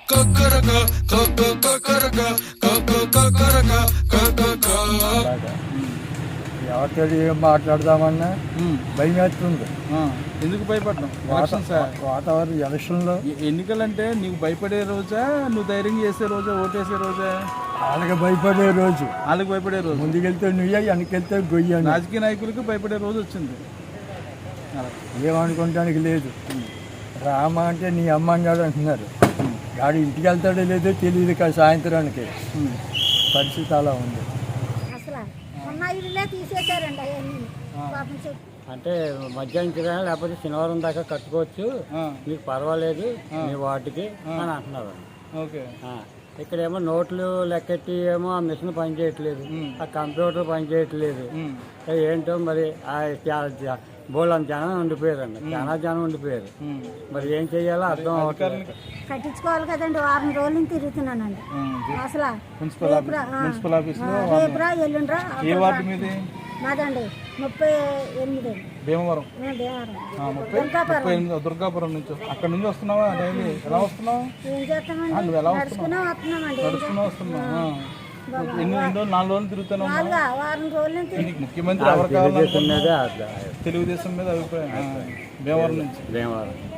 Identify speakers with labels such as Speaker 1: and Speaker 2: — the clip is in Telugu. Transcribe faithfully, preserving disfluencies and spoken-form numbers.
Speaker 1: ఎవరితో ఏం మాట్లాడదామన్నా భయం వేస్తుంది.
Speaker 2: ఎందుకు భయపడ్డాం?
Speaker 1: వాతావరణం ఎలక్షన్లో
Speaker 2: ఎన్నికలంటే నీకు భయపడే రోజా, నువ్వు ధైర్యం చేసే రోజా, ఓటేసే రోజా?
Speaker 1: వాళ్ళకి భయపడే రోజు,
Speaker 2: వాళ్ళకి భయపడే రోజు.
Speaker 1: ముందుకెళ్తే నువ్వు వెనకెళ్తే గొయ్య.
Speaker 2: రాజకీయ నాయకులకు భయపడే రోజు వచ్చింది.
Speaker 1: ఏమనుకోవడానికి లేదు. రామ అంటే నీ అమ్మ అన్నాడు అంటున్నారు. గాడి ఇంటికి వెళ్తాడో లేదో తెలియదు కదా. సాయంత్రానికి పరిస్థితి అలా ఉంది.
Speaker 3: అంటే మధ్యాహ్నం లేకపోతే శనివారం దాకా కట్టుకోవచ్చు, మీకు పర్వాలేదు మీ వాటికి అని అంటున్నారు. ఇక్కడేమో నోట్లు లెక్కెట్టి ఏమో ఆ మిషన్ పని చేయట్లేదు, ఆ కంప్యూటర్ పని చేయట్లేదు. ఏంటో మరి బోళ్ళంత జనం ఉండిపోయారండి, చాలా జనం ఉండిపోయారు. మరి ఏం చెయ్యాలో అర్థం అవ్వట్లేదు.
Speaker 4: కట్టించుకోవాలి కదండి. వారం రోజులు తిరుగుతున్నానండి. అసలు
Speaker 2: మున్సిపల్ ఆఫీస్
Speaker 4: రేపురా ఎల్లుండ్రా.
Speaker 2: ఏ వార్డు మీది?
Speaker 4: మాదండి ముప్పై ఎనిమిది
Speaker 2: భీమవరం.
Speaker 4: ముప్పై
Speaker 2: దుర్గాపురం నుంచి అక్కడ నుంచి వస్తున్నావా? డైలీ ఎలా వస్తున్నావు?
Speaker 4: ఏం చేస్తామండి,
Speaker 2: నువ్వు ఎలా
Speaker 4: నడుచుకునే వస్తున్నామండి.
Speaker 2: నడుచుకున్నా వస్తున్నావు. ఎన్ని ఎన్ని రోజులు నాలుగు రోజులు తిరుగుతాను.
Speaker 4: వారం రోజులు
Speaker 2: ముఖ్యమంత్రి ఎవరు కావాలి? తెలుగుదేశం మీద అభిప్రాయం. భీమవరం నుంచి.
Speaker 3: భీమవరం